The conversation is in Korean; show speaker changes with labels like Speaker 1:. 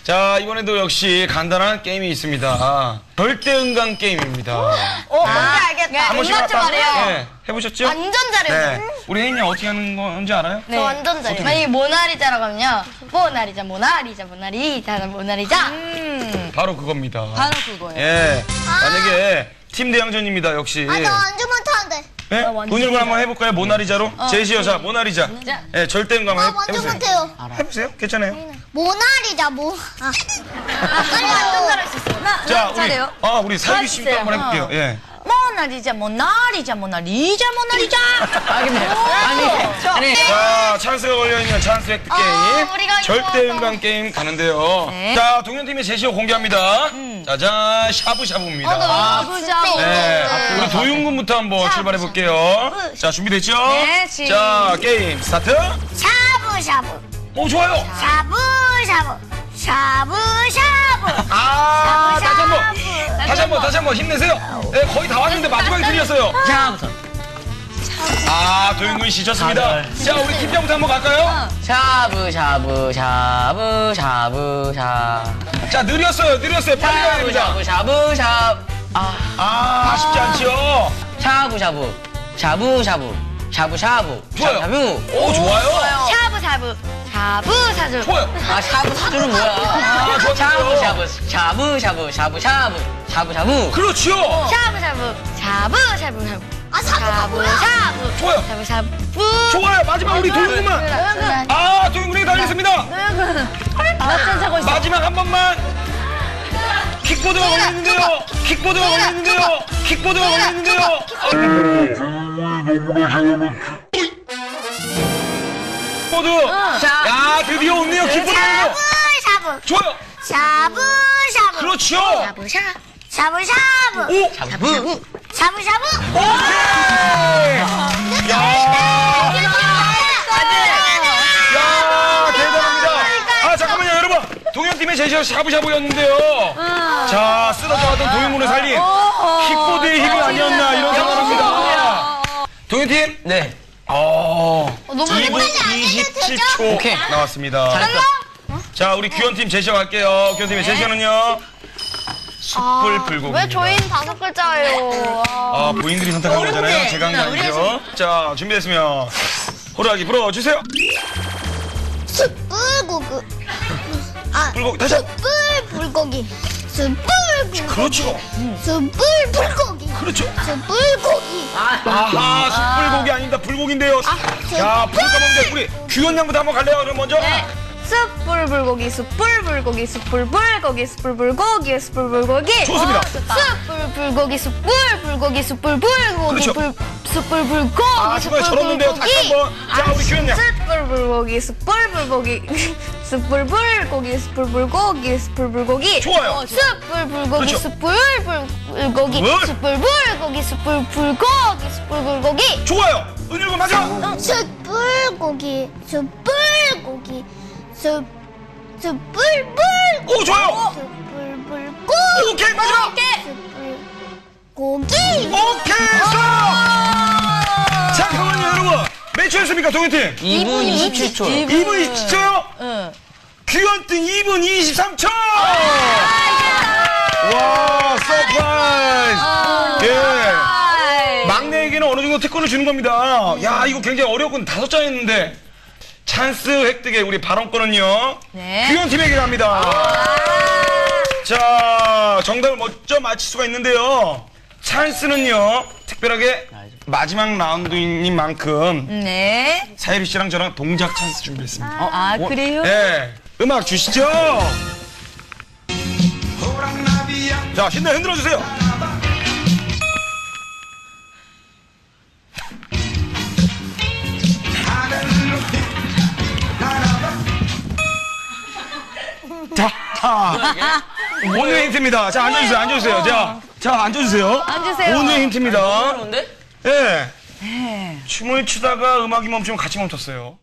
Speaker 1: 자, 이번에도 역시 간단한 게임이 있습니다. 절대음감 게임입니다.
Speaker 2: 뭔지 알겠다.
Speaker 1: 한 번씩
Speaker 2: 맞죠 말이에요.
Speaker 1: 네, 해보셨죠?
Speaker 2: 완전 잘해요.
Speaker 1: 네. 우리 혜인이 어떻게 하는 건지 알아요?
Speaker 2: 저 완전 잘해요.
Speaker 3: 만약에 모나리자라고 하면요. 모나리자, 모나리자, 모나리자, 모나리자.
Speaker 1: 바로 그겁니다.
Speaker 2: 바로 그거예요.
Speaker 1: 예. 만약에 팀 대항전입니다, 역시.
Speaker 4: 아, 나 완전 못하는데.
Speaker 1: 네? 돈일군 한번 해볼까요? 모나리자로? 제시 여사, 모나리자. 예, 절대음감
Speaker 4: 나 완전
Speaker 1: 해보세요.
Speaker 4: 못해요.
Speaker 1: 해보세요. 괜찮아요.
Speaker 4: 모나리자,
Speaker 2: 빨리 완전 잘할 수 있어요.
Speaker 1: 자, 우리,
Speaker 2: 잘해요.
Speaker 1: 우리 살기 씨도
Speaker 2: 해주세요.
Speaker 1: 한번 해볼게요. 예.
Speaker 2: 모나리자, 모나리자, 모나리자, 모나리자. 아니.
Speaker 1: 자, 찬스가 걸려있는 찬스 획득 게임.
Speaker 3: 우리가
Speaker 1: 절대음감 게임 가는데요.
Speaker 2: 네.
Speaker 1: 자, 동현팀의 제시어 공개합니다. 짜잔, 샤브샤브입니다.
Speaker 2: 아부자.
Speaker 1: 네. 우리 도윤군부터 한번 출발해볼게요. 자, 준비됐죠?
Speaker 2: 네,
Speaker 1: 자, 게임 스타트.
Speaker 4: 샤브샤브.
Speaker 1: 오, 좋아요.
Speaker 4: 샤브샤브. 샤브샤브.
Speaker 1: 아, 다시 한 번 힘내세요. 네, 거의 다 왔는데 마지막에 들렸어요. 아, 도윤군 씨 졌습니다. 자, 우리 팀장부터 한번 갈까요?
Speaker 5: 샤브샤브 샤브 샤브 샤
Speaker 1: 자, 느렸어요. 빨리 가야 됩니다.
Speaker 5: 샤브 샤브
Speaker 1: 아, 쉽지 않지요?
Speaker 5: 샤브샤브 샤브샤브 샤브샤브
Speaker 1: 좋아요.
Speaker 5: 샤브
Speaker 1: 오, 좋아요.
Speaker 3: 샤브샤브, 샤브샤브.
Speaker 1: 좋아요.
Speaker 5: 아 샤브샤브는 뭐야
Speaker 1: 좋았어요.
Speaker 5: 샤브샤브 샤브샤브 샤브샤브
Speaker 1: 그렇죠.
Speaker 3: 샤브샤브, 샤브샤브.
Speaker 4: 아, 사부가
Speaker 3: 샤브샤브.
Speaker 1: 좋아요.
Speaker 3: 샤브샤브.
Speaker 1: 좋아요. 마지막 우리 도윤군만. 아, 도윤군이 달렸습니다. 마지막 한 번만. 킥보드가 걸렸는데요. 킥보드가 걸렸는데요. 킥보드. 야, 드디어 온네요. 킥보드.
Speaker 4: 샤브샤브.
Speaker 1: 좋아요.
Speaker 4: 샤브샤브.
Speaker 1: 그렇죠.
Speaker 4: 샤브샤브.
Speaker 1: 오.
Speaker 5: 샤브
Speaker 4: 샤브샤브.
Speaker 1: 오케이. 야, 대단합니다. 아, 잠깐만요, 여러분. 동현팀의 제시어 샤브샤브였는데요. 자, 쓰러져가던 도윤군을 살린 킥보드의 힘이 아니었나 이런 생각합니다. 동현팀.
Speaker 5: 네
Speaker 1: 2분 27초
Speaker 5: 오케이.
Speaker 1: 나왔습니다. 자, 우리 규현팀 제시어 갈게요. 규현팀의 제시어는요. 숯불 불고기.
Speaker 3: 왜 저희는 5글자예요?
Speaker 1: 아, 부인들이 선택한 거잖아요. 제가 한 게 아니죠. 자, 준비됐으면 호루라기 불어주세요.
Speaker 4: 숯불고기. 아,
Speaker 1: 불고기 다시 한.
Speaker 4: 숯불불고기. 숯불불고기.
Speaker 1: 그렇죠.
Speaker 4: 숯불불고기.
Speaker 1: 그렇죠.
Speaker 4: 숯불고기.
Speaker 1: 아하, 숯불고기 아닙니다. 불고기인데요. 야, 불 까먹는데 우리 규현 양부터 한번 갈래요? 그럼 먼저.
Speaker 3: 숯불불고기, 숯불불고기, 숯불불고기, 숯불불고기, 숯불불고기.
Speaker 1: 좋습니다.
Speaker 3: 숯불불고기, 숯불불고기, 숯불불고기,
Speaker 1: 그렇죠.
Speaker 3: 숯불불고기,
Speaker 1: 아, 중간에 절었는데요. 다시 한번. 자, 우리 규현 양.
Speaker 3: 숯불불고기, 숯불불고기, 숯불불고기, 숯불불고기, 숯불불고기.
Speaker 1: 좋아요.
Speaker 3: 숯불불고기,
Speaker 1: 그렇죠.
Speaker 3: 숯불불고기,
Speaker 1: 뭘?
Speaker 3: 숯불불고기, 숯불불고기, 숯불불고기.
Speaker 1: 좋아요. 은율군 맞아.
Speaker 4: 숯불고기. 숯불고기. 숯불불.
Speaker 1: 오, 좋아요.
Speaker 4: 숯불불고.
Speaker 1: 오케이, 마지막.
Speaker 4: 고기.
Speaker 1: 오케이, 스톱. 잠깐만요, 여러분. 몇 초였습니까, 동현팀?
Speaker 5: 2분 27초
Speaker 1: 2분 27초요? 규현팀 2분 23초! 와, 서프라이즈! 예. 막내에게는 어느 정도 특권을 주는 겁니다. 야, 이거 굉장히 어려웠군. 5잔했는데. 찬스 획득의 우리 발언권은요.
Speaker 2: 네.
Speaker 1: 규현팀에게 갑니다. 자, 정답을 먼저 맞힐 수가 있는데요. 찬스는요, 특별하게 마지막 라운드인 만큼
Speaker 2: 네.
Speaker 1: 사유리 씨랑 저랑 동작 찬스 준비했습니다.
Speaker 2: 아, 그래요?
Speaker 1: 네, 음악 주시죠. 자, 신나 흔들어 주세요. 자, 오늘 힌트입니다. 자, 앉아주세요. 자, 앉아주세요.
Speaker 2: 앉으세요.
Speaker 1: 오늘 힌트입니다.
Speaker 5: 그런데?
Speaker 1: 예. 춤을 추다가 음악이 멈추면 같이 멈췄어요.